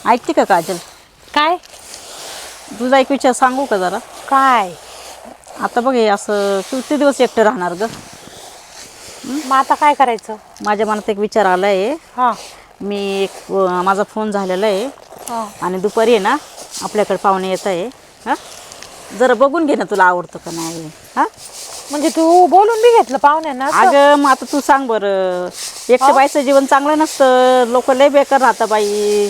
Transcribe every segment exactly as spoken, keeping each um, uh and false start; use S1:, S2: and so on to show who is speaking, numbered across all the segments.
S1: ऐकते का काजल?
S2: काय
S1: तुझा एक विचार सांगू का जरा?
S2: काय
S1: आता बघ हे असं किती दिवस एकटं राहणार ग?
S2: मग आता काय करायचं?
S1: माझ्या मनात एक विचार आला आहे.
S2: हां
S1: मी एक अं, माझा फोन झालेला आहे
S2: हां
S1: आणि दुपारी आहे ना आपल्याकडे पाहुणे येत आहे. हां जरा बघून घे ना, तुला आवडतं का नाही. हां
S2: म्हणजे तू बोलून बी घेतलं पाहुण्यांना असं?
S1: अगं मग आता तू सांग बरं, एकट्या बाईचं जीवन चांगलं नसतं, लोक लय बेकार राहतं बाई.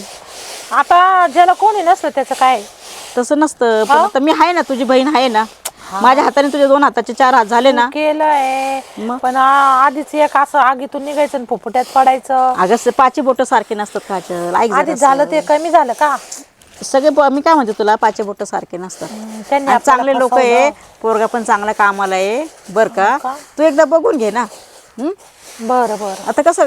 S2: आता ज्याला कोणी नसलं त्याचं काय?
S1: तसं नसतं. पण आता मी आहे ना, तुझी बहीण आहे ना, माझ्या हाताने तुझे दोन हाताचे चार हात झाले ना.
S2: केलंय
S1: मग?
S2: पण आ- आधीच एक असं आगीतून निघायचं आणि फुफुट्यात पडायचं.
S1: अगं पाची बोटं सारखे नसतात काजल, ऐक
S2: आधी
S1: जरासं.
S2: झालं ते कमी झालं का?
S1: सगळे ब- मी काय म्हणते तुला, पाचे बोटं सारखे नसतात.
S2: त्यांनी
S1: आणि
S2: आपल्याला
S1: चांगले लोक
S2: फसवलं.
S1: आहे, पोरगा पण चांगला कामाला आहे बर का.
S2: हो का?
S1: तू एकदा बघून घे ना. हं?
S2: बरं बरं.
S1: आता कसं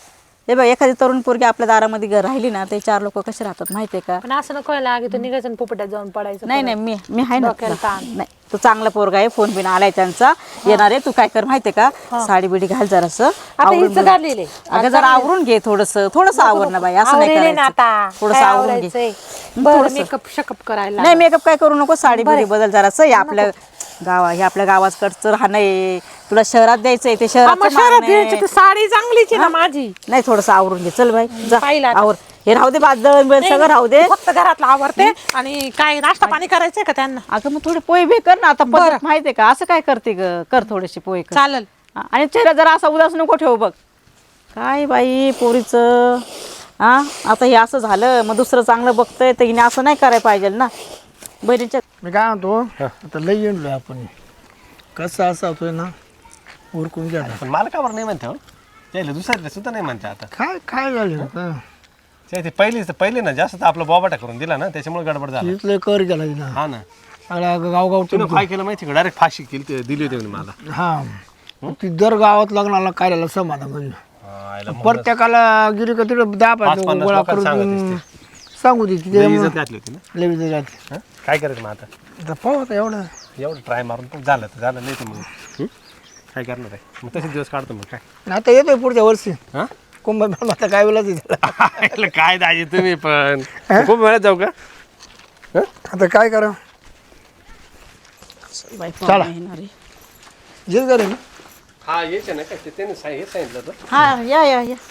S1: हे बघ, एखादी तरुण पोरगी आपल्या दारामध्ये घर राहिली ना, ते चार लोक कसे राहतात माहितीये का?
S2: पण असं नको व्हायला, आगीतून निघायचं आणि फुफुट्यात जाऊन पडायचं.
S1: नाही नाही, मी मी आहे ना
S2: डोक्याला
S1: तुला.
S2: ताण.
S1: नाही, तू चांगला पोरगा आहे, फोन बिन आलाय त्यांचा, येणार आहे. तू काय कर माहितीये का, साडी बिडी घाल जरासं.
S2: आता
S1: आवरून
S2: हिचं
S1: बिरून-
S2: घातलेलं आहे.
S1: अगं जरा आवरून घे थोडस, थोडस आवर ना बाई, असं नाही
S2: आवरेले ना
S1: करायचं.
S2: आता.
S1: थोडस
S2: काय
S1: आवरून घे.
S2: आवरायचंय? बरं मेकअप शकअप करायला.
S1: नाही मेकअप काय करू नको, साडी बिडी बदल जरासं. हे आपल्या गावा हे आपल्या गावाकडचं राहणं आहे, तुला शहरात द्यायचंय ते
S2: हा, मग
S1: शहरात
S2: शहरात द्यायची तर साडी चांगलीच आहे ना माझी.
S1: नाही, थोडस आवरून घे. चल बाई जा
S2: पाहिलं आता.
S1: आवर. हे राहू दे, बादल बिल सगळं राहू दे.
S2: फक्त घरातलं आवरते आणि काय नाश्ता पाणी करायचंय का त्यांना?
S1: अगं मग थोडे पोहे बे कर ना आता. पद्धत माहितीये का, असं काय करते ग? कर थोडेसे पोहे कर.
S2: चालेल.
S1: हा, आणि चेहरा जरा असा उदास नको ठेवू बघ. काय बाई पोरीचं. हा आता हे असं झालं, मग दुसरं चांगलं बघतंय तर हिने असं नाही करायला पाहिजे ना बहिणीच्या.
S3: मी काय म्हणतो, आता लई येणलो आपण, कसं असं होतोय ना, उरकून घ्या ना.
S4: पण मला का बरं नाही म्हणते हो, त्याला दुसऱ्याला सुद्धा नाही म्हणते आता.
S3: काय काय झालं आता?
S4: ते पहिली पहिले ना जास्त आपला बोबाटा करून दिला ना, त्याच्यामुळे गडबड झाला.
S3: तिथलं कर गेला तिला.
S4: हा ना,
S3: सगळ्या गावगाव
S4: तुम्ही काय केलं माहिती का, डायरेक्ट फाशी केली ते- दिली होती म्हणे मला.
S3: हा ती दर गावात लग्नाला कार्याला समाधान म्हणजे
S4: हा, याला मग
S3: प्रत्येकाला गिरी का तिकडे दहा
S4: पाच
S3: पाच
S4: पन्नास
S3: गोळा
S4: लोकांना
S3: करून
S4: सांगत
S3: सांगू दे तिथे
S4: लई इज्जत घातली होती ना.
S3: लई जाते.
S4: हा? काय करायचं मग आता?
S3: आता पाहू आता एवढं
S4: एवढं ट्राय मारून पण झालं तर झालं, नाही तर मग हं? काय करणार आहे मग, तसेच दिवस काढतो मग काय.
S3: आता येतोय पुढच्या वर्षी
S4: हा
S3: कुंभ आता काय वेळा तिथे
S4: याला काय दाजी तुम्ही पण खूप वेळात जाऊ का? हं?
S3: आता काय करा
S1: बाई
S3: चला.
S1: पाहुणे येणार आहे.
S3: जेल करे ना.
S4: हा यायचं ना काय ते त्याने सांग- हे सांगितलं होतं.
S1: हा या या या.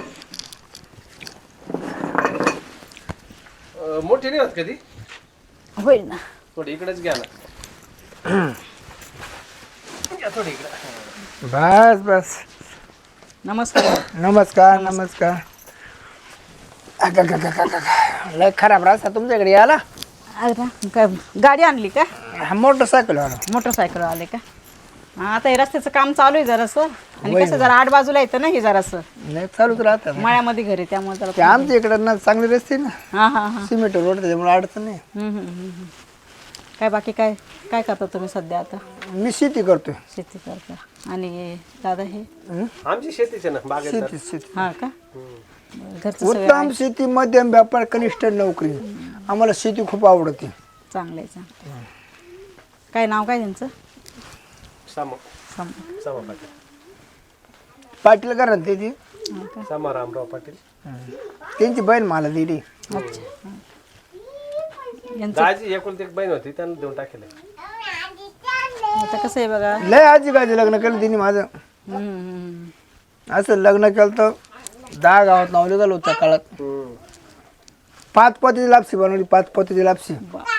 S4: अं, मोठी नाही होत कधी,
S1: होईल ना.
S4: थोडी इकडेच घ्या ना. घ्या थोडी इकडे.
S3: बस बस.
S1: नमस्कार.
S3: नमस्कार नमस्कार. अगं, अगं, अगं, अगं, अगं. लय खराब रस्ता तुमच्याकडे याला.
S1: अरे वा, काय गाडी आणली का?
S3: हा मोटरसायकल आला.
S1: मोटरसायकल आले का? हा, आता हे रस्त्याचं काम चालू आहे जरासं, आणि कसं जरा आठ बाजूला येतं ना हे जरासं,
S3: नाही चालूच राहतात.
S1: मळ्यामध्ये घर आहे त्यामुळे
S3: ते
S1: जरा.
S3: आमच्या इकडे ना चांगले रस्ते ना,
S1: हा हा हा.
S3: सिमेंट रोड त्याच्यामुळे अडचण नाही.
S1: हम्म, हम्म, हम्म, हम्म. काय बाकी काय काय करता तुम्ही सध्या आता?
S3: मी शेती करतोय.
S1: शेती करता. आणि दादा हे
S4: आमची शेतीच आहे ना बागेत.
S3: शेती शेती
S1: हा का? बरं, घरचं सगळं
S3: उत्तम शेती, मध्यम व्यापार, कनिष्ठ नोकरी. आम्हाला शेती खूप आवडते.
S1: चांगलं आहे चांगलं आहे. काय नाव काय त्यांचं?
S4: सम
S1: सम
S4: समा पाटील.
S3: पाटील करा ना त्याची,
S1: हा का?
S4: समा रामराव पाटील.
S3: त्यांची बहीण मला दिली.
S1: अच्छा. हा. यांचं
S4: दाजी एकुलती एक बहीण होती, त्यांना देऊन टाकेलं.
S1: आता कसं आहे बघा.
S3: लय आजी गाजी लग्न केलं तिने माझं.
S1: हम्म, हम्म, हम्म.
S3: असं लग्न केलं तर दहा गावात नाव निघालं होतं त्या काळात. पाच पतीची लापसी बनवली, पाच पतीची लापसी.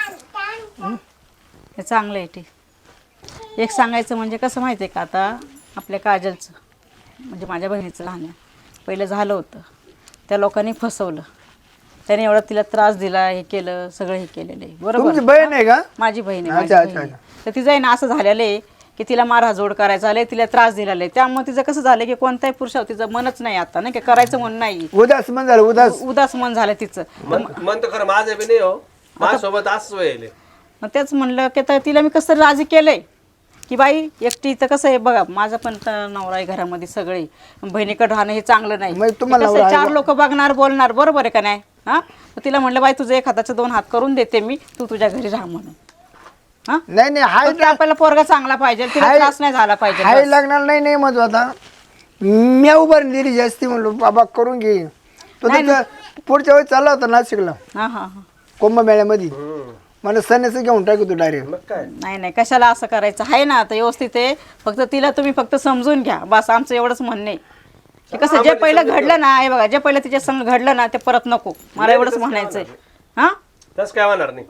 S1: हे चांगलं आहे. ठीक. एक सांगायचं म्हणजे कसं माहिती आहे का, आता आपल्या काजलचं म्हणजे माझ्या बहिणीचं लहान पहिलं झालं होतं, त्या लोकांनी फसवलं, त्याने एवढा तिला त्रास दिला, हे केलं, सगळं हे केलेलं आहे.
S3: तुमची
S1: बरोबर.
S3: बहीण आहे का?
S1: माझी बहीण आहे, माझी
S3: अच्छा,
S1: बहीण
S3: अच्छा,
S1: आहे. तर तिचं आहे ना असं झालेलं आहे की तिला मारहाजोड करायचं आलंय, तिला त्रास दिलेला आहे. त्यामुळे तिचं कसं झालं की कोणत्याही पुरुषावर तिचं मनच नाही आता, नाही का, करायचं मन नाही,
S3: उदास मन झालं, उदास.
S1: उदास मन झालं तिचं.
S4: मन तर खरं माझं बी नाही हो, माझ्यासोबत असंच व्हायले.
S1: मग तेच म्हणलं की तर तिला मी कसं तरी राजी केलंय की बाई एकटी तर कसं आहे बघा, माझा पण तर नवरा आहे घरामध्ये, सगळे बहिणीकडे राहणं हे चांगलं नाही.
S3: मग तुम्हाला
S1: कसं आहे,
S3: नवरा आहे
S1: चार लोक बघणार, बोलणार, बरोबर आहे का नाही? हा, तिला म्हणलं बाई तुझं एक हाताचे दोन हात करून देते मी, तू तुझ्या घरी राहा म्हणून. हा,
S3: नाही नाही हाय
S1: फक्त आपल्याला पोरगा चांगला पाहिजे, तिला
S3: हाय-
S1: त्रास नाही झाला पाहिजे
S3: हाय
S1: बस.
S3: लग्नाला नाही नाही म्हणतो. आता मी उभारून दिली जास्ती, म्हणलो बाबा करून घे. तो
S1: नाही,
S3: त्याचं पुढच्या वेळेस चालला होता नाशिकला
S1: हां हां हां
S3: कुंभमेळ्यामध्ये
S4: हम्म.
S3: मला सन्यासी घेऊन टाकतो डायरेक्ट.
S4: मग काय
S1: नाही नाही कशाला असं करायचं आहे ना आता व्यवस्थित आहे. फक्त तिला तुम्ही फक्त समजून घ्या बस आमचं एवढंच म्हणणं आहे की कसं जे पहिलं घडलं ना हे बघा जे पहिलं तिच्या संग घडलं ना ते परत नको मला एवढंच म्हणायचंय. हां
S4: तसं काय होणार नाही.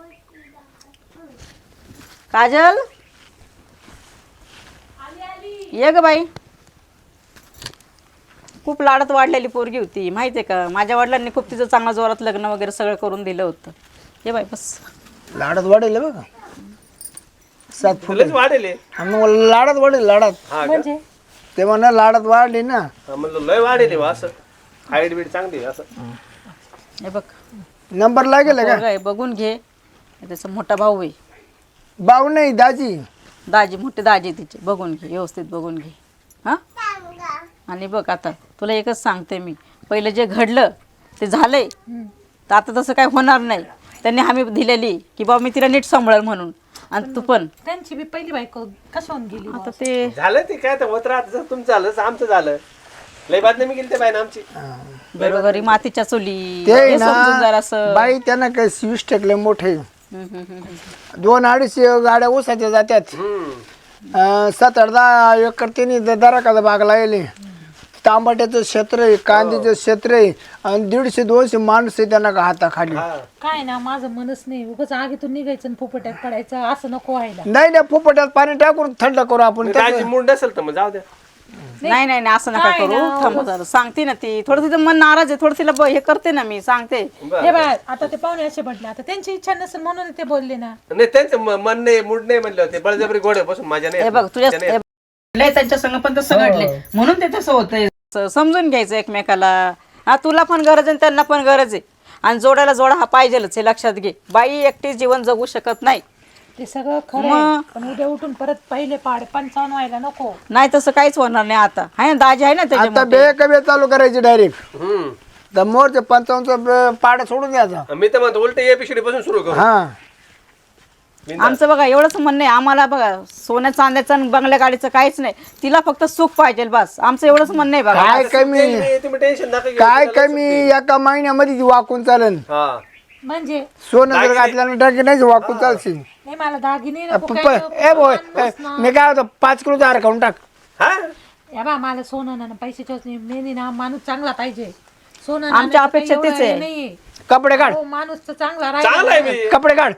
S1: काजल ये ग बाई. खूप लाडात वाढलेली पोरगी होती माहिती आहे का. माझ्या वडिलांनी खूप तिचं चांगलं जोरात लग्न वगैरे सगळं करून दिलं होतं. ये बाई बस.
S3: लाडात वाढेल बघा सात फुट
S4: तुलाच वाढेल हे.
S3: मग लाडात वाढेल लाडात
S4: हा का?
S2: म्हणजे
S3: ते म्हणा लाडात वाढली ना.
S4: हा, म्हणलं लय वाढेल हे बा असं हाईट बीट चांगली आहे असं.
S1: हे बघ
S3: नंबर लागेल का
S1: पोरगा आहे बघून घे. त्याचा मोठा भाऊ आहे
S3: भाऊ नाही दाजी.
S1: दाजी मोठे दाजी तिचे बघून घे व्यवस्थित बघून घे. हां आणि बघ आता तुला एकच सांगते मी पहिलं जे घडलं ते झालंय तर आता तसं काय होणार नाही. त्यांनी हमी दिलेली की बाबा मी तिला नीट सांभाळेल म्हणून आणि तू पण
S2: त्यांची बी पहिली बायको कशाहून गेली
S1: आता ते
S4: झालं ते काय तर होत राहत जसं तुमचं झालं तसं आमचं झालं. लय बातमी मी गेली ते बाई आमची.
S1: घरोघरी मातीच्या चुली
S3: ते
S1: हे समजून
S3: ना
S1: जरासं.
S3: बाई त्यांना काय वीस टकले मोठे
S1: हम्म, हम्म, हम्म, हम्म.
S3: दोन अडीचशे गाड्या ऊसाच्या जात्यात.
S4: हम्म.
S3: अं, सात आठ दहा एकर त्यांनी दराकाचा भाग लावले. तांबट्याचं क्षेत्र आहे कांद्याचं क्षेत्र आहे आणि दीडशे दोनशे माणूस आहे त्यांना का हाताखाली.
S4: हा.
S2: काय ना माझं मनच नाही उगाच आगीतून निघायचं आणि फुफट्यात पडायचं असं नको व्हायला.
S3: नाही नाही फुफट्यात पाणी टाकून थंड करू आपण.
S4: राजी मूड नसेल तर मग जाऊ द्या.
S1: नाही नाही नाही असं नका करू. थांबा जरा सांगते ना ती थोडं तिचं मन नाराज आहे थोडं तिला ब- हे करते ना मी सांगते.
S2: हे बाय आता ते पाहुणे असे म्हटले आता त्यांची इच्छा नसेल म्हणून ते बोलले ना.
S4: नाही त्यांचं म- मन नाही मूड नाही म्हणले होते बळजबरी गोड बसून माझ्या
S1: हे
S4: नाही
S1: बघ तुझ्या
S4: त्याने-
S1: हे बघ, लय त्यांच्या संग पण तसं घडले म्हणून ते तसं होतंय. स- समजून घ्यायचं एकमेकाला. हा तुला पण गरज आहे आणि त्यांना पण गरज आहे आणि जोडायला जोडा हा पाहिजेलच हे लक्षात घे. बाई एकटी जीवन जगू शकत नाही.
S2: ते सगळं खरं आहे. पण उद्या उठून परत पहिले पाड पंचावन्न व्हायला नको.
S1: नाही तसं काहीच होणार नाही आता आहे ना दाजी आहे ना त्याच्या
S3: आता
S1: मोठे.
S3: बे कमी चालू करायची डायरेक्ट
S4: हम्म.
S3: तर मोरचे पंचावन्नचा पाडा सोडून द्यायचा.
S4: मी तर म्हणतो उलट एपिसोड पासून सुरू करू.
S3: हा
S1: आमचं बघा एवढंच म्हणणं आहे आम्हाला बघा सोन्या चांद्याचं आणि बंगल्या गाडीचं काहीच नाही. तिला फक्त सुख पाहिजे बस आमचं एवढंच म्हणणं आहे बघा.
S3: काय कमी
S4: नाही, तुम्ही टेन्शन नका घेऊ.
S3: काय कमी एका महिन्यामध्ये ती वाकून चालन.
S4: हा
S2: म्हणजे
S3: सोनं जर घातल्यानं टाकी नाही वाकून चालशील.
S2: नाही मला दागिने नको
S3: प-
S2: काय
S3: प-
S2: नको,
S3: ए बोय
S2: माणूस ना.
S3: मी काय होतं पाच किलो दार खाऊन टाक.
S4: हा
S2: या बा मला सोनं ना पैशाची मेनी ना माणूस चांगला पाहिजे. सोनं
S1: आमच्या
S2: नाण्याचं
S1: अपेक्षा
S2: काही
S1: तेच
S2: एवढं
S1: आहे.
S2: हे नाहीये.
S3: कपडे काढ
S2: हो, माणूस तर चांगला
S4: चांगला आहे
S2: राहिला.
S4: मी
S3: कपडे काढ.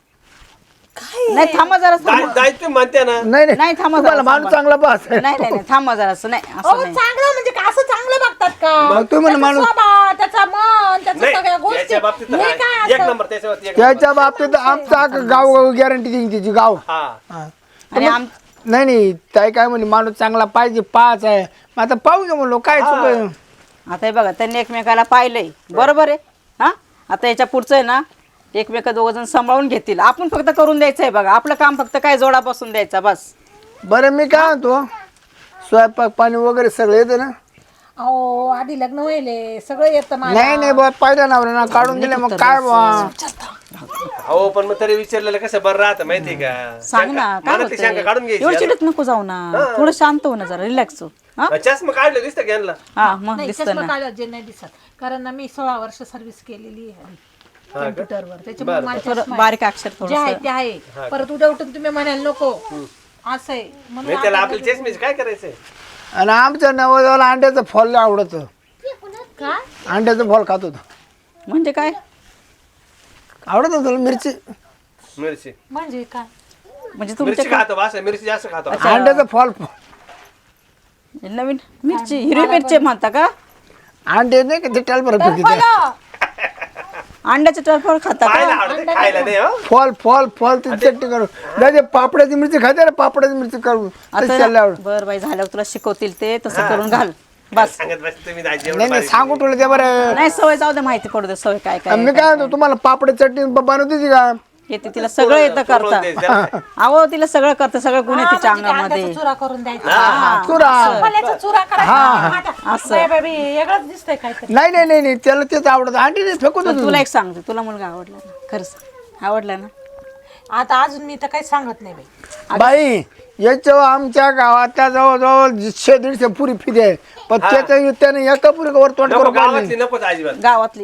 S1: नाही थांबा जरा
S4: जाय- जायचं म्हणते ना.
S3: नाही
S1: नाही, थांबा
S3: तुम्हाला
S1: जरा,
S3: माणूस
S1: थांबा.
S3: चांगला पास
S1: नाही नाही नाही थांबा जरा असं नाही असं
S2: अहो,
S1: नाही.
S2: चांगलं म्हणजे का असं चांगलं बघतात का?
S3: मग तुम्ही म्हणा
S2: त्याचा
S3: माणूस
S2: स्वभाव, त्याचा मन, त्याच्या
S4: नाही
S2: सगळ्या गोष्टी
S4: त्याच्या बाबतीत तर
S2: हे
S4: आहे.
S2: काय
S4: एक
S2: असं?
S4: नंबर त्याच्या बाबतीत एक
S3: त्याच्या बाबतीत आमचा अख्खं गाव गाव गॅरंटी देईन तिची गाव.
S4: हा
S3: हा.
S1: आणि आम
S3: नाही नाही ताई काय म्हणली माणूस चांगला पाहिजे पाच आहे मग आता पाहू दे म्हणलो काय चुक आहे?
S1: आता हे बघा त्यांनी एकमेकाला पाहिलंय बरोबर आहे. हा आता याच्या पुढचं आहे ना एकमेका दोघ जण सांभाळून घेतील. आपण फक्त करून द्यायचं आहे बघा. आपलं काम फक्त काय जोडा बसून द्यायचा बस.
S3: बरं मी काय म्हणतो स्वयंपाक पाणी वगैरे सगळं येतं ना.
S2: अहो आधी लग्न व्हायले सगळं येतं मला.
S3: नाही नाही बा पाहिजे ना ना काढून दिले मग काय बा.
S4: हो पण मग तरी विचारलेलं कसं बरं राहतं माहितीये का.
S1: सांग ना
S4: शंका-
S1: काय
S4: मनातली शंका काढून
S1: होतंय. एवढं
S4: घ्यायची
S1: चिडत नको जाऊ ना. थोडं शांत हो ना जरा रिलॅक्स हो. हा
S4: आता. चष्मा काढलं दिसतं की यांना.
S1: हा मग
S2: नाही
S1: दिसतं
S2: चष्मा
S1: ना.
S2: काढला जे नाही दिसत कारण ना मी सोळा वर्ष सर्व्हिस केलेली आहे कम्प्युटरवर त्याच्यामुळे मला
S1: थोडं
S2: चष्मा आहे.
S1: बारीक अक्षर
S2: जे
S1: थोडं
S2: आहे ते आहे. परत उद्या उठून तुम्ही म्हणाल नको असं आहे म्हणून
S4: नाही त्याला आपल्याला चष्मेच काय करायचंय.
S3: आणि आमच्या नवजाला अंड्याचं फॉल आवडत.
S2: काय
S3: अंड्याचं फॉल खात होतं.
S1: म्हणजे काय
S3: आवडत होतं मिरची
S4: मिरची
S2: म्हणजे काय
S1: म्हणजे
S4: मिरची
S1: तुमच्या
S4: खातो वास मिरची जास्त खातो.
S3: अंड्याचं फॉल
S1: नवीन मिरची हिरवी मिरची म्हणता का.
S3: अंडे नाही का ते टॅलपर फिरते
S2: बोला.
S1: अंड्याचे टरफळ खाता
S4: खायला
S1: का.
S4: आवडते खायला नाही हो.
S3: फॉल फॉल फॉल ती चटणी करू दादा पापडाची मिरची खाते ना पापडाची मिरची करू तशी चालली आवड.
S1: बर बाई झाल्यावर तुला शिकवतील ते तसं करून घाल बस.
S4: सांगत बस तुम्ही दाजी एवढं
S3: नाही नाही
S4: बारीक.
S3: सांगू तुला ते बरं.
S1: नाही सवय जाऊ दे माहिती पडू दे सवय काय काय
S3: मी काय म्हणतो तुम्हाला पापडी चटणी बनवते का.
S1: येते तिला सगळं येतं करता.
S4: पूर्ण ते जरा-
S1: अहो तिला सगळं करतं सगळं गुण येते
S2: म्हणजे काय
S1: अंगामध्ये.
S2: अंड्याचा चुरा करून द्यायचा
S3: चुरा
S2: फल्याचा चुरा करायचा
S1: असं.
S2: बाय बाबी वेगळंच दिसतंय काहीतरी.
S3: नाही नाही नाही नाही त्याला तेच आवडत अंडी नाही फेकून
S1: पण
S3: देतो.
S1: तुला एक सांगते तुला मुलगा आवडला ना खरंच आवडला ना.
S2: आता अजून मी तर काही सांगत नाही बाई.
S3: बाई याच्यावर आमच्या गावातल्या जवळजवळ शे दीडशे पुरी फिदे आहे पण त्याच्या त्याने एका पुरी वर तोंड
S4: नको
S3: करून पाहिलं
S4: गावातली नकोच अजिबात.
S1: गावातली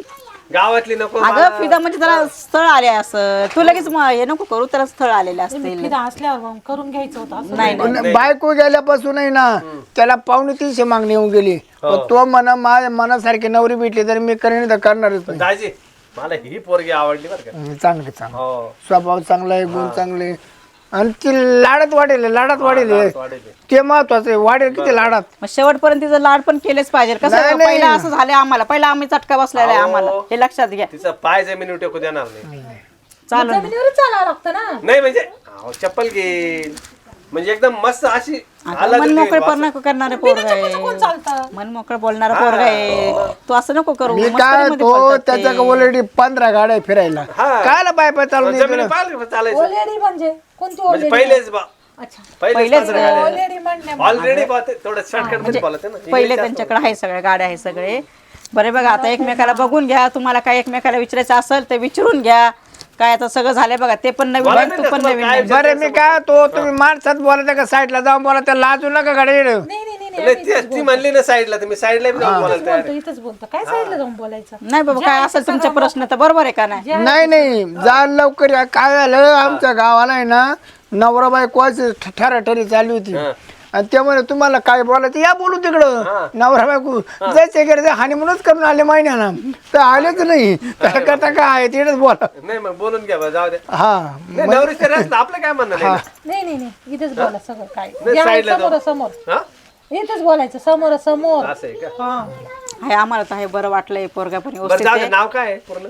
S4: गावातली नको
S1: अगं फिदा म्हणजे त्याला स्थळ आले असं तू लगेच म- हे नको करू त्याला स्थळ आलेले असतील
S2: फिदा असल्यावर मग करून घ्यायचं होतं असं.
S1: नाही नाही
S3: पण बायको गेल्यापासून आहे ना त्याला पावणे तीनशे मागणी येऊन गेली पण तो म्हणा माझ्या मनासारखी नवरी भेटली तर मी करेन तर करणारच नाही.
S4: दाजी मला ही पोरगी आवडली बरं का
S3: हं, चांगलं चांगलं
S4: हो
S3: स्वभाव चांगला आहे गुण चांगले आणि ती लाडात वाढेल लाडात वाढेल
S4: वाढेल.
S3: ते महत्वाचं आहे वाढेल किती लाडात
S1: मग शेवटपर्यंत तिचं लाड पण केलेच पाहिजे कसं
S3: नाही,
S1: आहे,
S3: नाही.
S1: पहिला असं झालं आम्हाला पहिला आम्ही चटका बसलेला आहे आम्हाला हे लक्षात घ्या
S4: तिचा पाय जमिनीवर टेकू देणार नाही
S1: चालू
S2: जमिनीवरच चालावं लागतं ना.
S4: नाही म्हणजे अहो, चप्पल घेईल म्हणजे एकदम मस्त अशी आला
S1: मन
S4: तर
S1: मोकळे
S4: ते
S1: पण करणारे पोरग आहे
S2: चालतं.
S1: मन मोकळं बोलणारा पोरग आहे तू असं नको करू
S3: मी काय
S1: मस्करीमध्ये
S3: तो
S1: बोलतात ते.
S3: त्याच्या ऑलरेडी पंधरा गाड्या फिरायला
S4: हा.
S3: कायला पाय पाय चालू नाही
S4: जमिनी पाहिलं चालायचं
S2: ओलेडी म्हणजे कोणती
S4: म्हणजे
S2: ओलेडी?
S4: पहिलेच बा
S2: अच्छा
S4: पहिलेच
S1: पहिलेच
S4: पंधरा गाड्या.
S2: ओलेडी म्हणणे
S4: ऑलरेडी थोडं शॉर्टकट मध्ये बोलत ना
S1: पहिले त्यांच्याकडे आहे सगळ्या गाड्या आहे सगळे बरे बघा आता एकमेकाला बघून घ्या तुम्हाला काय एकमेकाला विचारायचं असेल तर विचारून घ्या काय आता सगळं झालंय बघा ते पण नवीन
S4: मला
S1: आहे,
S4: नाही
S1: तू पण
S4: तुम्हाला
S1: नवीन
S4: काय
S1: आहे.
S3: बरं मी काय तो तुम्ही माणसात बोलायचं का साईडला जाऊन बोला लाजू नका गाडी
S2: नाही नाही नाही नाही
S4: नाही ती- ती म्हणली ना साईडला तुम्ही साईडला बी जाऊन बोलायला तयार
S2: बोलतो इथंच बोलतो काय साईडला जाऊन बोलायचं.
S1: नाही बाबा काय असेल तुमचे प्रश्न तर बरोबर आहे का नाही
S3: नाही नाही जा लवकर या. काय झालं आमच्या गावाला आहे ना नवरा बायकोची ठराठरी चालली होती आणि त्यामुळे तुम्हाला काय बोलायचं या बोलू तिकडं नवरा बायको जायचं गेले हानी म्हणूनच करून आले महिन्याला तर आलेच नाही त्याला करता काय आहे तिकडेच बोला
S4: नाही मग बोलून घ्या बा, जाऊ द्या
S3: हा
S4: नाही नवरीचं रस्ता आपलं काय म्हणणं नाही ना.
S2: नाही नाही नाही इथेच बोला सगळं काय
S4: नाही,
S2: जे आहे
S4: साईडला
S2: समोर
S4: जाऊ.
S2: समोर
S4: हा
S2: इथेच बोलायचं समोर समोर.
S4: असं आहे का
S2: हा
S1: आहे आम्हाला तर हे बरं वाटलंय पोरगा पण
S4: बरं
S1: व्यवस्थित
S4: जाऊ
S1: आहे.
S4: दे नाव काय आहे पूर्ण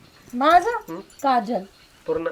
S2: माझं काजल
S4: पूर्ण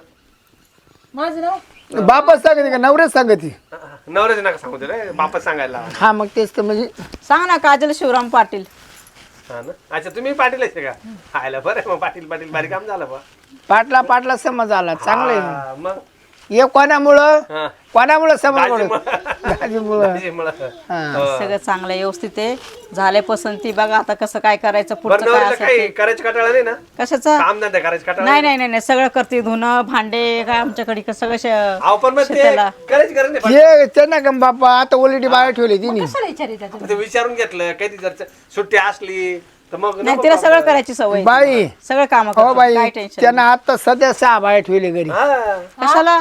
S2: माझं नाव
S3: बापच सांगते का नवरेच सांगते
S4: हा, हा. नवऱ्याचं नका सांगू रे बापा सांगायला लावा.
S3: हा मग तेच तर म्हणजे
S1: सांग ना काजल शिवराम पाटील
S4: हा ना अच्छा तुम्ही पाटील आहे का हायला बरं आहे मग पाटील पाटील बारीक काम झालं बा
S3: पाटला पाटला समज आला चांगलं आहे
S4: हा, मग
S3: हे कोणामुळं
S4: हा
S3: कोणामुळं समज
S4: दाजीमुळं.
S3: दाजीमुळं
S4: दाजीमुळं.
S3: हा.
S1: सगळं चांगलं व्यवस्थित आहे झाले पसंती बघा आता कसं काय करायचं
S4: बरं
S1: पुढचं काय
S4: नवरीला
S1: असेल
S4: काही
S1: ते.
S4: करायचं कटाळा नाही ना
S1: कशाचं
S4: काम धंदा करायचं कटाळा
S1: नाही नाही नाही नाही सगळं करते धुणं भांडे काय आमच्याकडे का सगळं शे-
S4: अहो पण मग ते
S1: शेताला.
S4: करायची गरज नाही
S3: हे त्यांना का बापा आता ऑलरेडी बाहेर ठेवली तिने
S2: कशाला विचारित आहे
S4: पण ते विचारून घेतलं कधी जर सुट्टी असली तर मग
S1: नाही
S4: नको
S1: तिला
S4: काम
S1: सगळं
S4: करायला.
S1: करायची सवय
S3: बाई
S1: सगळं काम
S3: हो बाई
S1: काय टेन्शन
S3: त्यांना आता सध्या सहा बाहेर ठेवली घरी
S4: हा
S1: कशाला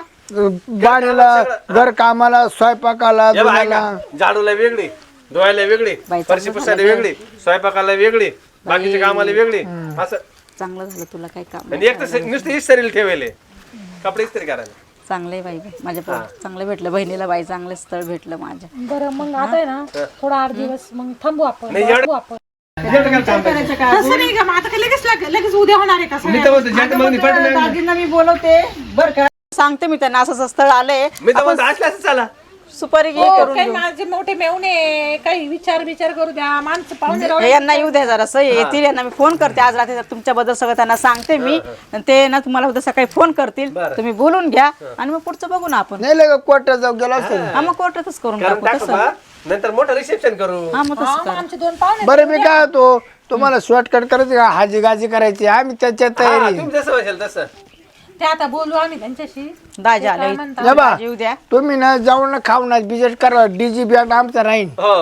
S3: गाडीला घर कामाला स्वयंपाकाला
S4: हे बघ,
S3: धुण्याला
S4: ऐका, झाडूला वेगळी धुवायला वेगळी
S1: बाई,
S4: फरशी
S1: चांगलं
S4: पुसायला
S1: झालं
S4: वेगळी स्वयंपाकाला वेगळी बाकीच्या कामाला वेगळी असं
S1: चांगलं झालं तुला काय काम
S4: आणि एक तर नुसते इस्त्रीला ठेवले कपडे इस्त्री करायला
S1: चांगले बाई बाई. माझ्या पोर- चांगलं भेटलं बहिणीला बाई चांगलं स्थळ भेटलं माझ्या
S2: बरं मग आता आहे ना थोडा आठ दिवस मग थांबू आपण
S4: नाही, एवढं-
S2: बघू आपण
S4: एवढं काय काम करायचं?
S2: तसं नाही का मग आता काय लगेच लाग- लगेच उद्या होणार आहे का
S4: मी तर म्हणतो, ज्या मग निपट नाही.
S1: दाजींना मी बोलवते बर का सांगते मी त्यांना असं असं स्थळ आलंय
S4: मी तर म्हणतो असलं असं चला
S1: सुपारी घे
S2: हो,
S1: करून
S2: काही
S1: घेऊ.
S2: माझे मोठे मेवणे काही विचार विचार करू द्या माणसं पाहुणे राहू
S1: हे यांना येऊ द्या जरा येतील यांना मी फोन करते आज रात्री तुमच्याबद्दल सगळं त्यांना सांगते मी आणि ते ना तुम्हाला उद्या सकाळी फोन करतील
S4: बरं.
S1: तुम्ही बोलून घ्या आणि मग पुढचं बघू ना आपण
S3: नाही लगे कोर्टात जाऊ गेला असतो
S1: हा मग कोर्टातच करून
S4: कारण
S1: टाकू
S4: टाकू
S1: तसं
S4: बा नंतर मोठं रिसेप्शन करू
S1: हा मग तसं
S2: हा, मग
S1: करू.
S2: आमचे दोन पाहुणे
S3: बरं मी काय होतो तुम्हाला शॉर्टकट करायचं का हाजी गाजी करायची आम्ही त्याच्यात
S4: हा,
S3: तयारी
S4: तुम्ही जसं म्हणशाल तसं
S2: ते आता बोलू आम्ही त्यांच्याशी
S1: दाजी
S2: ते काय
S1: आले
S2: म्हणतात?
S3: या बा
S1: दाजी येऊ द्या
S3: तुम्ही ना जाऊन ना खाऊ ना बिजेट करा डीजी बॅग आमचा राहीन
S4: हो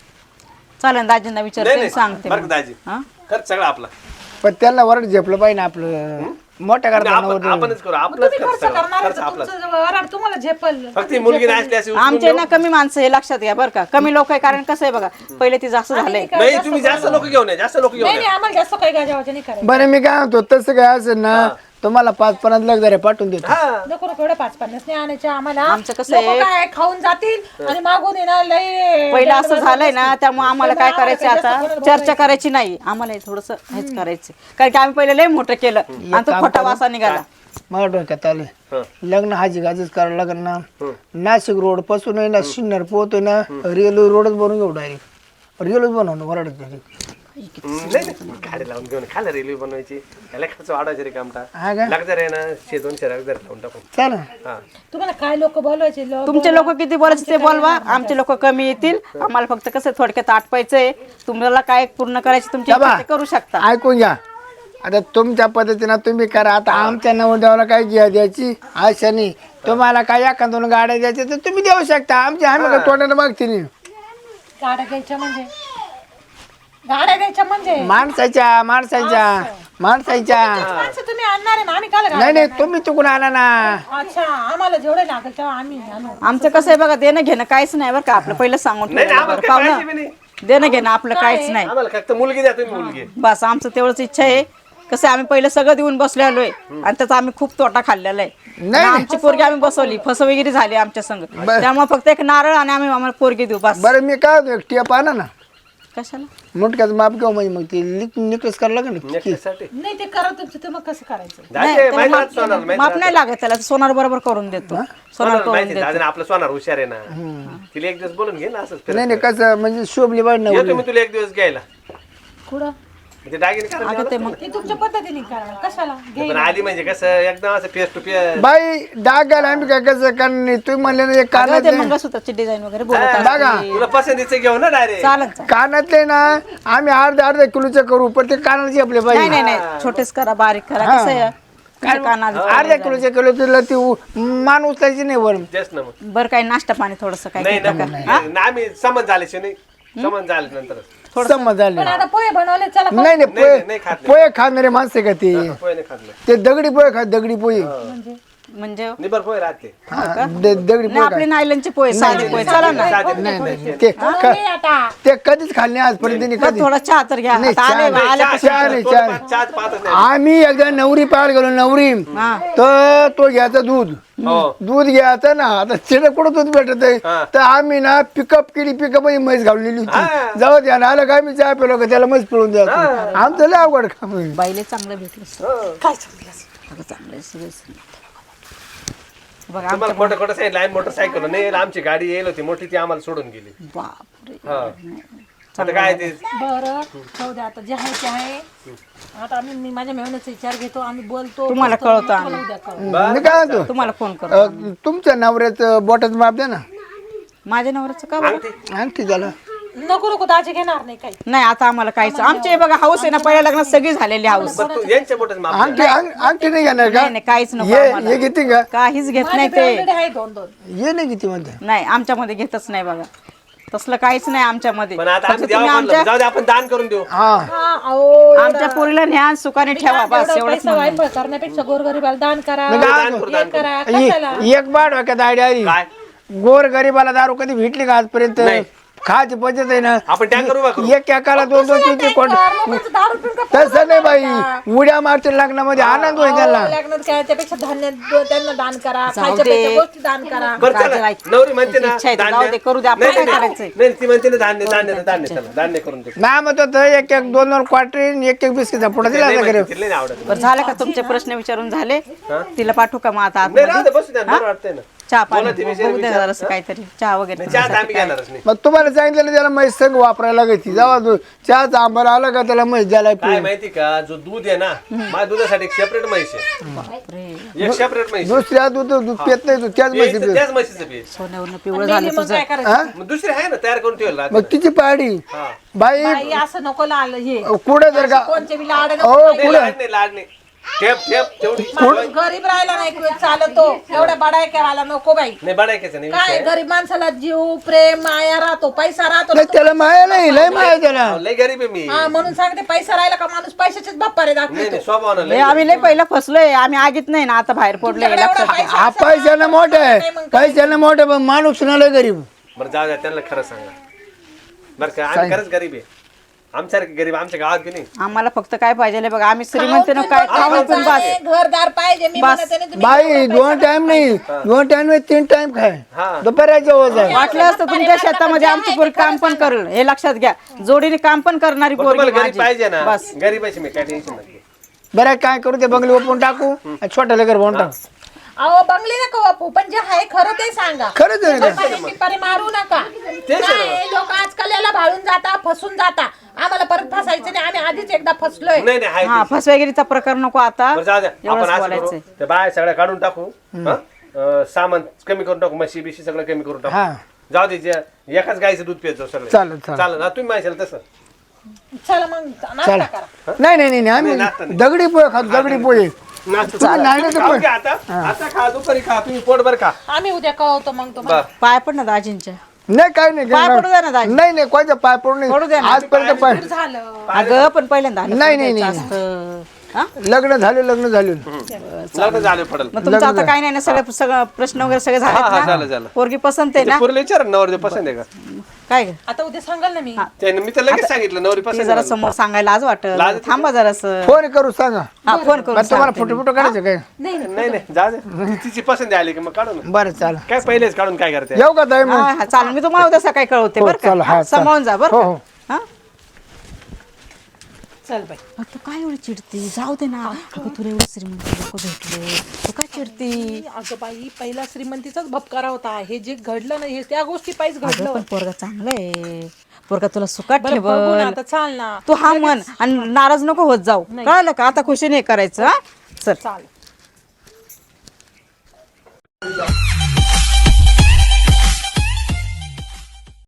S1: चालेल दाजींना
S4: नाही
S1: विचारते
S4: नाही
S1: सांगते
S4: बरं
S1: मग.
S4: का दाजी
S1: हा?
S4: खर्च सगळं आपला
S3: पण त्यांना वरड झेपलं पाहिजे ना आपलं मोठ्या
S4: आपण-
S3: करताना
S4: आपणच करू
S2: मग
S4: आपलाच
S2: तुम्ही
S4: खर्च
S2: खर्च करणार
S4: खर्च
S2: तर
S4: आपलाच
S2: तुमचं वराड तुम्हाला झेपल
S4: फक्त ही मुलगी नाही असली अशी उचलून
S1: आमचे
S4: नेऊ.
S1: ना कमी माणसं हे लक्षात घ्या बरं का कमी लोक आहे कारण कसं आहे बघा पहिले ती जास्त झालंय
S4: नाही तुम्ही जास्त लोक घेऊन या जास्त लोक घेऊन
S2: नाही
S4: या
S2: नाही आम्हाला जास्त काही गाजावाचं नाही करायचं
S3: बरं मी काय म्हणतो तसं काय असेल ना तुम्हाला पाच पन्नास लाख जरा पाठवून देतो
S4: हा
S2: नको नको एवढं पाच पन्नास नाही आणायचे आम्हाला
S1: आमचं कसं
S2: लोकं
S1: आहे?
S2: काय खाऊन जातील आणि मागून येणार लय
S1: पहिलं असं झालंय ना त्यामुळे आम्हाला काय
S2: त्यामुळे
S1: करायचं
S2: आम्हाला
S1: आता
S2: जास्त
S1: चर्चा करायची नाही आम्हाला थोडस हेच करायचं कारण की आम्ही पहिले लय मोठं केलं आणि तो खोटा वासा निघाला
S3: मला डोक्यात आले
S4: हं.
S3: लग्न हाजी गाजीच करावं लागेल ना
S4: हं.
S3: नाशिक रोड पासून आहे ना सिन्नर पोहतोय ना रेल्वे रोडच बनवून घेऊ डायरेक्ट रेल्वेच बनवणं वराड
S4: नाही नाही, गाडी लावून घेऊन खायला रेल्वे बनवायची याला खर्च वाढवायचे रे कामटा
S3: हा का
S4: लागजार आहे ना शे दोनशे लागजार लावून टाकू
S3: चाल
S4: हा
S2: तुम्हाला काय लोक बोलवायचे लोक
S1: तुमचे लोक किती बोलायचे ते बोलवा आमचे लोक कमी येतील आम्हाला फक्त कसं थोडक्यात आटपायचंय तुम्हाला काय पूर्ण करायचे तुमची इच्छा ते करू शकता
S3: ऐकून घ्या आता तुमच्या पद्धतीनं तुम्ही करा आता आमच्या नवरदेवाला काय घ्या द्यायची आशा नाही तुम्हाला काय एका दोन गाड्या द्यायच्या तर तुम्ही देऊ शकता आमच्या आम्ही काय तोंडाने मागते नाही
S2: गाड्या द्यायच्या म्हणजे गाड्या द्यायच्या म्हणजे
S3: माणसाच्या माणसाच्या माणसांच्या
S2: माणसं तुम्ही आणणार आहे ना, आम्ही काल
S3: नाही नाही तुम्ही चुकून आणा ना.
S2: अच्छा आम्हाला जेवढे लागेल तेव्हा आम्ही आणू.
S1: आमचं कसं आहे बघा, देणं घेणं काहीच नाही बरं का आपलं, पहिलं सांगून
S4: नाही
S1: ठेवलं
S4: आम्हाला
S1: बरं.
S4: काही पाहिजे बी
S1: पाहुणं
S4: नाही.
S1: देणं घेणं आपलं काहीच नाही.
S4: आम्हाला फक्त मुलगी द्या तुम्ही मुलगी.
S1: बस आमचं तेवढंच इच्छा आहे. कसं आहे, आम्ही पहिलं सगळं देऊन बसलो आलोय आणि त्याचा आम्ही खूप तोटा खाल्लेला आहे.
S3: नाही.
S1: आणि आमची पोरगी आम्ही बसवली, फसवेगिरी झाली आमच्या संग. त्यामुळे फक्त एक नारळ आणि आम्ही आम्हाला पोरगी देऊ बस.
S3: बरं मी काय होतो, एक टिप आणा ना
S1: कशाला?
S3: मुटक्याचं माप घेऊ म्हणजे मग ते निकस करायला लागेल ना.
S4: नेक्स्टसाठी
S2: नाही ते करा तुमचं, तर मग कसं करायचं?
S1: नाही,
S4: दादा
S1: त्याला
S4: माहिती
S1: माप-
S4: राहत सोनार माहिती
S1: माप
S4: राहत.
S1: नाही लागत त्याला, सोनार बरोबर करून देतो. सोनार
S4: सोनार
S1: करून
S4: माहिती
S1: देतो.
S4: दादा आपलं सोनार हुशार आहे ना. तिला एक दिवस बोलून घे ना असंच फिरत.
S3: नाही नाही कसं म्हणजे शोभली पाहिजे ना.
S4: येतो मी तुला एक दिवस घ्यायला.
S2: कुठं?
S4: ते दागिने
S1: अगं
S4: करायला
S1: ते मग
S2: ते तुमच्या पद्धतीने करा, कशाला घे.
S4: पण आली म्हणजे कसं एकदम असं फेस टू फेस.
S3: बाई डागायला आम्ही काय कसं कारण तुम्ही म्हणले ना एक
S1: अगं ते
S3: कानातले
S1: मंगळसूत्राची डिझाईन वगैरे बोलत
S3: बघा.
S1: असते.
S4: तुला पसंतीचं घेऊ ना डायरेक्ट.
S1: चालेल चालेल.
S3: कानातले ना आम्ही अर्धा अर्धा किलोचे करू पण ते कानाचे आपले
S1: नाही
S3: पाहिजे
S1: नाही नाही, छोटेच करा, बारीक करा. कसं आहे तुमच्या कानात
S3: अर्धा किलोचे किलो तुला ती उ- मान उचलायची नाही वरून.
S4: तेच ना मग.
S1: बरं काही नाश्ता पाणी थोडस काय
S4: नाही
S1: घेता
S4: ना
S1: का?
S4: ना, आम्ही समज झाल्याशी नाही समज झाले नंतर
S3: समज झाले.
S2: पण आता पोहे बनवले चला खाऊ.
S3: नाही नाही
S4: नाही,
S3: पोहे
S4: नाही खात नाही.
S3: पोहे खाणारे माणसे का ते
S4: पोहे नाही खाल्लं.
S3: ते दगडी पोहे खा दगडी पोहे
S1: म्हणजे
S4: निबर पोहे राहते.
S3: हा, द- दगडी
S1: नाही
S3: पोहे
S1: आपले नायलनचे पोहे, साधे पोहे चला ना.
S4: साधे
S3: खा. नाही
S4: पोहे.
S3: नाही ते क-
S2: घे आता.
S3: ते कधीच खाल्ले आजपर्यंत त्यांनी
S1: बरं,
S3: कधी
S1: थोडा चहा तर घ्या.
S3: नाही,
S1: आता आले
S3: चहा नाही,
S1: आले
S4: चहा-
S3: चहा नाही,
S4: थोडं
S3: चहा
S4: पाच- चहाच पाहतच नाही.
S3: आम्ही एकदा नवरी पाहायला गेलो नवरी तर तो घ्यायचा दूध
S4: हो.
S3: दूध घ्यायचं ना आता तिथे कुठं दूध भेटत आहे
S4: हा.
S3: तर आम्ही ना पिकअप केली पिकअप म्हैस घाललेली
S4: हा.
S3: होती जाऊ द्या ना आलं का आम्ही चहा पिलो का त्याला म्हैस पिळून द्यायचं आमचं लय अवघड काम आहे.
S1: बाईले चांगलं भेटलं
S4: हो.
S1: काय चांगलं अगं चांगलं सगळं बघा आम-
S4: तुम्हाला खोटं खोटं सांगितलं आम्ही मोटरसायकल नाही आमची गाडी येईल होती मोठी ती आम्हाला सोडून गेली.
S1: बापरे.
S4: हा. आता काय ते
S2: बरं जाऊ द्या आता जे आहे ते आहे. आता आम्ही मी माझ्या मेहनतीचा विचार घेतो, आम्ही बोलतो
S1: तुम्हाला
S2: बोलतो,
S1: कळतं
S2: तुम्हाला
S1: आम्ही.
S2: उद्या कळतं.
S3: मी काय म्हणतो
S1: तुम्हाला फोन करू.
S3: अं, तुमच्या नवऱ्याचं बोटाचं माप द्या ना
S1: माझ्या नवऱ्याचं का बरं?
S4: अंगठी
S3: आणखी झालं
S2: नको नको दाजी घेणार नाही काही.
S1: नाही आता आम्हाला काहीच आमचे बघा हाऊस आहे ना, पहिल्या लग्नात सगळी झालेली हाऊस.
S4: बरं तू यांच्या बोटच माप द्या.
S3: आणखी अंग- आणखी नाही घेणार का
S1: नाही नाही काहीच नको
S3: ये
S1: आम्हाला.
S3: ये घेते का
S1: काहीच घेत
S2: माझे
S1: नाही ते.
S2: already आहे दोन दोन.
S3: ये नाही किती म्हणते
S1: नाही आमच्यामध्ये घेतच नाही बघा, तसलं काहीच नाही आमच्यामध्ये.
S4: पण आता
S1: फक्त
S4: आम्ही
S1: तुम्ही
S4: द्यावं म्हणलं
S1: आमच्या
S4: जाऊ दे आपण दान करून देऊ.
S3: हा
S2: हा, अहो,
S1: आमच्या पोरीला न्या सुखाने ठेवा बस
S2: एवढं
S1: एवढंच
S2: पैसा
S1: म्हणणं.
S2: वायफळ करण्यापेक्षा गोरगरिबाला दान करा,
S3: मी काय
S4: दान
S3: म्हणतो?
S4: करू दान
S2: हे
S4: करू.
S2: करा, कशाला?
S3: इ- एक बाट डोक्यात आयडिया आली
S4: काय
S3: गोर गरीबाला दारू कधी भेटली का आजपर्यंत
S4: नाही.
S3: खायची पद्धत आहे ना
S4: आपण टँकर उभा करू.
S3: एक एकाला दोन दोन तीन तीन कोण
S2: लोकांचं दारू पिऊन का
S3: तसं नाही बाई उड्या मारतील लग्नामध्ये आनंद होईल त्याला
S2: अहो, लग्नात काय त्यापेक्षा धान्य द- त्यांना दान करा,
S1: जाऊ
S2: खायच्या
S1: दे.
S2: प्यायच्या गोष्टी दान करा.
S4: बरं
S1: काय
S4: चला
S1: करायचं?
S4: नवरी म्हणते ना
S1: इच्छा आहे तर
S4: धान्य.
S1: जाऊ दे, करू दे, आपण
S4: नाही,
S1: काय
S4: नाही,
S1: करायचंय?
S4: नाही ती म्हणते ना धान्य धान्य धान्य चला धान्य करून दे.
S3: नाही मग तो एक एक दोन दोन क्वार्टर एक एक बिस्किटचा पुढे दिला
S4: नाही
S3: असं
S4: म्हणते,
S3: करेल.
S4: तिला नाही आवडत.
S1: बरं झालं का तुमचे प्रश्न विचारून झाले? तिला पाठवू का मग आता
S4: नाही राहू
S1: आतमध्ये?
S4: दे बसू द्या बरं वाटतंय ना.
S1: चहा पाणी
S4: बोला ती विषय
S1: बघू द्या
S4: विचार.
S1: जरासं काहीतरी चहा वगैरे
S4: नाही चहा तर आम्ही घेणारच नाही.
S3: मग तुम्हाला सांगितलं त्याला म्हैस संग वापरायला लागायची जेव्हा तू चहाचा आंबार आला का त्याला म्हैस द्यायला
S4: काय माहिती का जो दूध आहे ना माझ्या दुधासाठी एक सेपरेट म्हैस आहे.
S1: बापरे.
S4: एक सेपरेट म्हैस आहे.
S3: दुसऱ्या दूध दूध पेत नाही तू त्याच म्हैस
S4: प्यायचं त्याच म्हशीचं पीठ.
S1: सोन्यावरनं पिवळं
S2: मेली
S1: झालं
S2: मग
S1: तुझं.
S2: काय करायचं?
S3: हा
S4: मग दुसरी आहे ना तयार करून ठेवलं राहते.
S3: मग तिची पाडी
S4: हा.
S3: बाई
S2: बाई, असं नको लाल हे
S3: कुठे जर का
S2: कोणचे बी लाड
S3: ओ
S2: नको.
S4: नाही, लाड नाही लाड नाही ठेप ठेप तेवढी
S2: माणूस गरीब राहिला नाही किंवा चालतो एवढ्या बडाय केवाला नको बाई.
S4: नाही बडायचं नाही
S2: काय
S4: विषय.
S2: गरीब माणसाला जीव प्रेम माया राहतो, पैसा राहतो.
S3: नाही त्याला माया नाही लय माया त्याला
S4: लय गरीब आहे मी.
S2: हा म्हणून सांगते पैसा राहिला का माणूस पैशाचेच बाप्पारे
S4: नाही
S2: दाखवतो.
S4: नाही स्वभावानं
S1: लय
S4: लय
S1: आम्ही लय पहिला फसलोय, आम्ही आगीत नाही ना आता बाहेर पडलोय
S2: तुमच्याकडे एवढा
S1: लक्षात घ्या.
S2: पैसा
S3: हा
S2: असेल
S3: पैशानं
S2: ना,
S3: मोठं आहे
S2: नाही मग काय?
S3: पैशानं मोठं पण माणूस ना लय गरीब
S4: बरं जाऊ द्या त्यांना खरं सांगा बरं का आम्ही खरंच गरीब आहे आमच्यासारखे गरीब आमच्या गावात की नाही.
S1: आम्हाला फक्त काय पाहिजे बघा, आम्ही श्रीमंत ना काय खाऊन पण बस.
S2: घरदार पाहिजे मी
S1: बस.
S2: म्हणते ना, तुम्ही
S3: बाई दोन टाइम नाही दोन टाइम नाही तीन टाइम खाय
S4: हा.
S3: दुपाराच्या वज आहे
S1: वाटलं असतं तुमच्या शेतामध्ये आमची पोरगी काम पण करेल, हे लक्षात घ्या. जोडीने काम पण करणारी
S4: बरं,
S1: पोरगी
S4: तुम्हाला गरीब
S1: माझी.
S4: पाहिजे ना
S1: बस
S4: गरीबाची मी काय टेन्शन नाही.
S3: बरं काय करू ते बंगले ओपून टाकू आणि छोट्याला घर बनवून टाकू
S2: अहो बंगली नका वापू, पण जे आहे खरं ते सांगा.
S3: खरंच आहे ना.
S2: लोकांनी पिपारे मारू नका.
S4: तेच आहे
S2: नाही, लोक आजकाल याला भाळून जाता, फसून जाता. आम्हाला परत फसायचं नाही, आम्ही आधीच एकदा फसलोय.
S4: नाही नाही हाय
S1: हा
S4: ते.
S1: फसवेगिरीचा प्रकार नको आता.
S4: बरं जाऊ द्या आपण
S1: एवढंच
S4: असं
S1: बोलायचंय.
S4: करू ते बाय सगळ्या काढून टाकू हं? अं, सामान कमी करून टाकू म्हशी बिशी सगळं कमी करून टाकू
S3: हा
S4: जाऊ दे जे- एकाच गायचं दूध पित जाऊ सगळं
S3: चालेल चालेल
S4: चालेल ना तुम्ही माहिती तसं
S2: चला मग नाश्ता
S3: चालेल
S2: करा.
S3: नाही नाही नाही आम्ही
S4: नाही, नाश्ता नाही.
S3: दगडी पोहे खातो दगडी पोहे
S4: नाश्ता
S3: तुम्ही नाही नाही तर
S4: खाऊ
S3: पोहे.
S4: घ्या आता आता खा दुपारी खा तुम्ही पोटभर खा
S2: आम्ही उद्या कळवतो मग तुम्हाला.
S4: बर
S1: पाय पण ना दाजींच्या.
S3: नाही काय नाही
S1: पाय पडू द्या ना दाजी.
S3: नाही नाही कोणत्या पाय पडू
S1: पडू द्या
S3: नाही
S1: ना.
S3: आजपर्यंत पाय
S2: झालं.
S1: अगं पण पहिल्यांदा आलं
S3: नाही,
S1: तर
S3: नाही,
S1: द्यायचं
S3: नाही.
S1: असतं. हा
S3: लग्न झाले लग्न झाले
S4: लग्न झाले पडल
S1: मग तुमचं आता काही नाही ना सगळे सगळं प्रश्न वगैरे सगळे
S4: हा, हा,
S1: झाले
S4: झालं, झालं.
S1: पोरगी पसंत आहे ना
S4: पोरीला विचार नवरदेव पसंत आहे का
S1: काय ग?
S2: आता उद्या सांगाल ना मी
S4: त्याने मी तर लगेच सांगितलं नवरी
S1: ते
S4: पसंत
S1: जरा
S4: आहे
S1: समोर सांगायला आज वाटत
S4: लाज येते
S1: थांबा जरा
S3: फोन करू सांगा
S1: हा फोन करून
S3: मग तुम्हाला
S1: सांगते
S3: फोटो
S1: मी.
S3: फोटो काढायचे काय
S2: नाही नाही.
S4: नाही नाही जा दे तिची पसंत आली की मग काढू ना
S3: बरं चाल
S4: काय पहिलेच काढून काय करते
S3: येऊ का ताई मग
S1: हा, हा, चालेल मी तुम्हाला उद्या सकाळी कळवते
S3: हो,
S1: बरं
S3: चालेल,
S1: का
S3: हा,
S1: हा,
S3: चालेल.
S1: सांभाळून जा बरं
S3: हो,
S1: का
S3: हो.
S1: हा
S2: चल बाई
S1: अगं, तू काय एवढी चिडती जाऊ दे ना अगं तुला एवढे श्रीमंत लोक भेटले तू काय चिडती
S2: अगं बाई पहिला श्रीमंतीचाच भपकारा होता हे जे घडलं ना हे त्या गोष्टी पाहिजे
S1: अगं
S2: घडलं
S1: पण पोरगा चांगला आहे पोरगा तुला सुखात
S2: बरं बघू ना
S1: ठेवल
S2: आता चाल ना
S1: तू हा म्हण आणि नाराज नको होत जाऊ कळलं का आता खुशी नाही करायचं हा चल
S2: चाल